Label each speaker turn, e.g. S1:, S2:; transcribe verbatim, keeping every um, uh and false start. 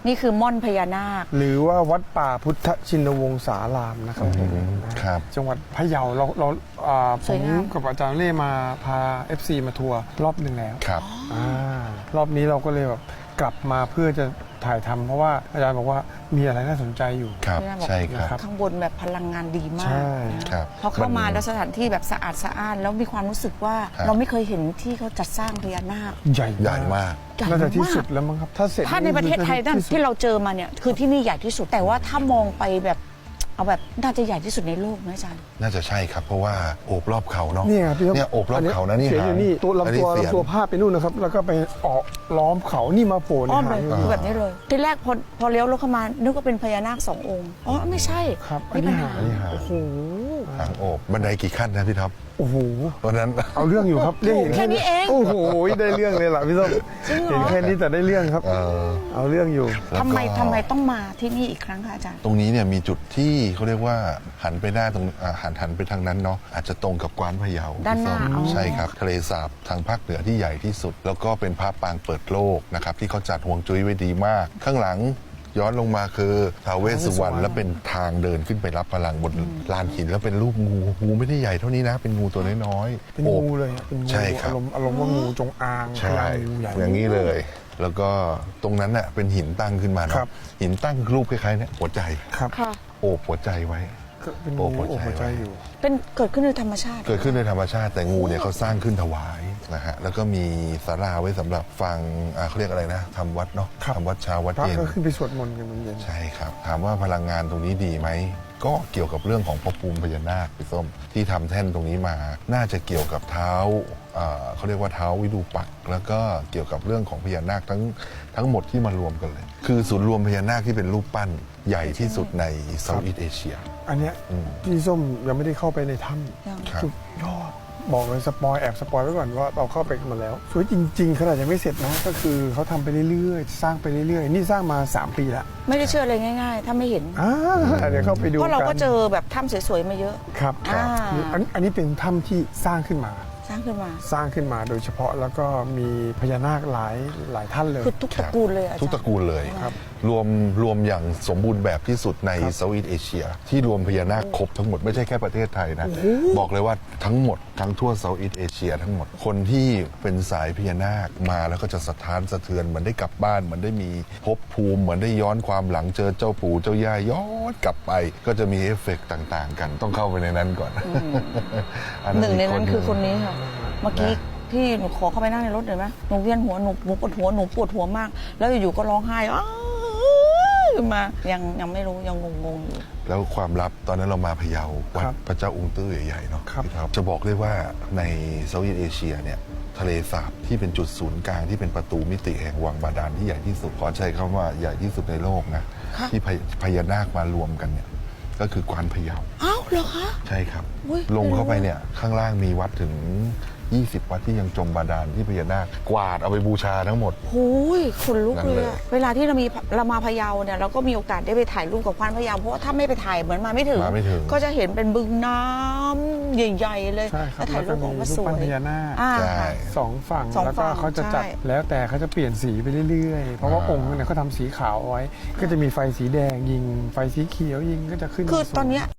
S1: นี่คือม่อนพญานาค
S2: หรือว่าวัดป่าพุทธชินวงศารามนะครับผม
S3: ครับ
S2: จังหวัดพะเยาเราเราอ่าผ
S1: สวย
S2: ม
S1: งาม
S2: กับอาจารย์เล่มาพา เอฟ ซี มาทัวร์รอบหนึ่งแล้ว
S3: ครับ
S2: รอบนี้เราก็เลยแบบกลับมาเพื่อจะถ่ายทำเพราะว่าอาจารย์บอกว่ามีอะไรน่าสนใจอยู่
S3: ครับ
S1: พญานาคบอก
S3: ใช่ครับ
S2: ครับ
S1: ข้างบนแบบพลังงานดีมา
S2: ใช่
S1: ก
S3: ครับ
S1: พอเข้ามาแล้วสถานที่แบบสะอาดสะอ้านแล้วมีความรู้สึกว่า
S3: ครับ
S1: เราไม่เคยเห็นที่เขาจัดสร้างพญานาค
S2: ใหญ่
S3: ใหญ่มาก
S1: ใหญ่
S2: น่าจะที่
S1: มาก
S2: สุดแล้วมั้งครับถ้าเสร็จ
S1: ถ้าในประเทศไทยนั่น
S2: ที่สุด
S1: ที่เราเจอมาเนี่ยคือที่นี่ใหญ่ที่สุดแต่ว่าถ้ามองไปแบบเอาแบบน่าจะใหญ่ที่สุดในโลกไหมอาจารย์
S3: น่าจะใช่ครับ เพราะว่าโอบรอบเขาเนาะ
S2: เนี่ยพี่ครับ
S3: เนี่ยโอบรอบเขานะนี่
S2: เสียงอยู่นี่ตัว
S3: อัน
S2: ลำ
S3: นี้
S2: ตัว
S3: เสียง
S2: ลำตัวพาดไปนู่นนะครับ แล้วก็ไปออกล้อมเขานี่มาโผล่ใน
S1: อ้อมเล
S2: หาย ง
S1: คือแบบนี้เลย ทีแรกพอพอเลี้ยวรถเข้ามานึกว่าเป็นพญานาคสององค์อ๋อไม่ใช่
S2: ครับอัน
S1: นี่
S2: นี้
S1: ปัญ
S2: หา
S1: หา
S2: ง
S3: นี่หาง
S2: โอ้โห
S3: หางโอบบันไดกี่ขั้นนะพี่ท็อป
S2: โอ้โห
S3: วันนั้น
S2: เอาเรื่องอยู่ครับเรื่อง
S1: แค่นี้เอง
S2: โอ้โหได้เรื่องเลยล่ะพี่ส้ม
S1: จริงเหรอ
S2: เห็นแค่นี้แต่ได้เรื่องครับ
S3: เออ
S2: เอาเรื่องอยู่
S3: แล้วก็
S1: ทำไมทำไมต้องมาที่นี่อีกครั้งคะอาจารย์
S3: ตรงนี้เนี่ยมีจุดที่เขาเรียกว่าหันไปหน้าตรงอ่าหันหันไปทางนั้นเนาะอาจจะตรงกับกวานพะเยา
S1: ด้านหน้า
S3: พี่ส้ม
S1: อ๋อ
S3: ใช่ครับทะเลสาบทางภาคเหนือที่ใหญ่ที่สุด แล้วก็เป็นพระปางเปิดโลกนะครับที่เขาจัดห่วงจุ้ยไว้ดีมาก ข้างหลังย้อนลงมาคือท้าวเวสสุวรรณและเป็นทางเดินขึ้นไปรับพลังบนลานหินแล้วเป็นรูปงูงูไม่ได้ใหญ่เท่านี้นะ เป็นงูตัวน้อยๆ
S2: เป็น
S3: โอบ
S2: งูเลยอะเป็นงู
S3: ใช่ครับ
S2: อารมณ์อารมณ์ว่างูจงอาง
S3: ใช่
S2: พลังงูใหญ่
S3: อย่างนี้เลย แล้วก็ตรงนั้นน่ะเป็นหินตั้งขึ้นมา
S2: ครั
S3: เนาะ
S2: บ
S3: หินตั้งรูปคล้ายๆเนี่ยหัวใจ
S2: ครับ
S1: ค่ะ
S3: โอบหัวใจไว้
S2: ก็เป็น
S3: โอ้
S2: งู
S3: หัว
S2: โอ้
S3: ใจ
S2: หัวใจ
S3: ไว้
S2: อยู่
S1: เป็นเกิดขึ้นโดยธรรมชาติ
S3: เกิดขึ้นในธรรมชาติแต่งูเนี่ยเขาสร้างขึ้นถวายนะฮะแล้วก็มีศาลาไว้สำหรับฟังอ่าเขาเรียกอะไรนะทำวัดเนาะ
S2: ครับ
S3: ทำวัดเช้าวัด
S2: พระ
S3: เย็น
S2: ก็ขึ้นไปสวดมนต์กันตอนเย็น
S3: ใช่ครับ ถามว่าพลังงานตรงนี้ดีไหม ก็เกี่ยวกับเรื่องของพระภูมิพญานาคพี่ส้มที่ทำแท่นตรงนี้มา น่าจะเกี่ยวกับเท้าอ่าเขาเรียกว่าเท้าวิรูปักษ์แล้วก็เกี่ยวกับเรื่องของพญานาคทั้งทั้งหมดที่มารวมกันเลย คือศูนย์รวมพญานาคที่เป็นรูปปั้นใหญ่ที่สุดในเซาท์อีสต์เอเชีย
S2: อันเนี้ย
S3: อืม
S2: พี่ส้มยังไม่ได้เข้าไปในถ้
S1: ยัง
S3: ครับ
S2: ำสุดยอดบอกเลยสปอยแอบสปอยไว้ก่อนว่าเราเข้าไปกันมาแล้วสวยจริงๆขนาดยังไม่เสร็จนะก็คือเขาทำไปเรื่อยๆ สร้างไปเรื่อยๆ นี่สร้างมา สาม ปีแล้ว
S1: ไม่ได้เชื่อเลยง่าย ๆ ถ้าไม่เห็น
S2: อ่าเดี๋ยวเข้าไปดู
S1: เพราะเราก็
S2: น
S1: เจอแบบถ้ำสวยๆมาเยอะ
S2: ครับ
S1: อ่า
S2: อันอันนี้เป็นถ้ำที่สร้างขึ้นมา
S1: สร้างขึ้นมา
S2: สร้างขึ้นมาโดยเฉพาะแล้วก็มีพญานาคหลายหลายท่านเลย
S1: คือทุกตระกูลเลยอาจารย์
S3: ทุกตระกูลเลย
S2: ครับ
S3: รวมรวมอย่างสมบูรณ์แบบที่สุดใน
S2: ครับ
S3: เซาท์อีสต์เอเชีย ที่รวมพญานาคครบทั้งหมดไม่ใช่แค่ประเทศไทยนะ บอกเลยว่าทั้งหมดทั้งทั่วเซาท์อีสต์เอเชียทั้งหมดคนที่เป็นสายพญานาคมาแล้วก็จะสะท้านสะเทือนเหมือนได้กลับบ้านเหมือนได้มีภพภูมิเหมือนได้ย้อนความหลังเจอเจ้าปู่เจ้าย่าย้อนกลับไป ก็จะมีเอฟเฟกต์ต่าง ๆ กันต้องเข้าไปในนั้นก่อนอั
S1: หนึ่งในนั้น
S3: ก
S1: คือคนนี้ค่ะ เมื่อกี้พี่หนูขอเข้าไปนั่งในรถหน่อยไหมหนูเวียนหัวหนูหนูปวดหัวหนูปวดหัวมาก แล้วอยู่ๆก็ร้องไห้อ้าวขึ้นมายังยังไม่รู้ยังงงๆอยู่
S3: แล้วความลับตอนนั้นเรามาพะเยาวัด
S2: ครับ
S3: พระเจ้าองค์ตื้อใหญ่ๆเนาะ
S2: ครับ
S3: พี่ท็อปจะบอกเลยว่าในเซาท์อีสต์เอเชียเนี่ยทะเลสาบที่เป็นจุดศูนย์กลางที่เป็นประตูมิติแห่งวังบาดาลที่ใหญ่ที่สุดขอใช้คำว่าใหญ่ที่สุดในโลกนะ
S1: ค่ะ
S3: ที่พญพญานาคมารวมกันเนี่ยก็คือกวานพะเยา
S1: อ้าวเหรอคะ
S3: ใช่ครับ
S1: อุ๊ย
S3: ลงเข้าไปเนี่ยข้างล่างมีวัดถึงยี่สิบวัดที่ยังจมบาดาลที่พญานาคกวาดเอาไปบูชาทั้งหมด
S1: โอ้ยขนลุก
S3: นั่น
S1: เล
S3: เลย ย
S1: อะเวลาที่เรามีเรามาพะเยาเนี่ยเราก็มีโอกาสได้ไปถ่ายรูปกับควานพะเยาเพราะว่าถ้าไม่ไปถ่ายเหมือนมาไม่ถึง
S3: มาไม่ถึง
S1: ก็จะเห็นเป็นบึงน้ำใหญ่ๆเลย
S2: ใช่ครับ
S1: แล้วถ่ายรูปออกมาสว
S2: แล้วก็มีรูปปั้นพ
S1: ย
S2: ญานาค
S1: อ่า
S3: ใช่
S1: ค่ะ
S2: สองฝั่ง
S1: สอง
S2: แล้วก็
S1: ฝั่ง
S2: เขาจะจัด
S1: ใช่
S2: แล้วแต่เขาจะเปลี่ยนสีไปเรื่อยๆ เพราะว่า
S3: อ่า
S2: องค์เนี่ยเขาทำสีขาวเอาไว้ ก็จะมีไฟสีแดงยิงไฟสีเขียวยิงก็จะขึ้น
S1: คือ
S2: มาสวย
S1: ตอนเนี้ย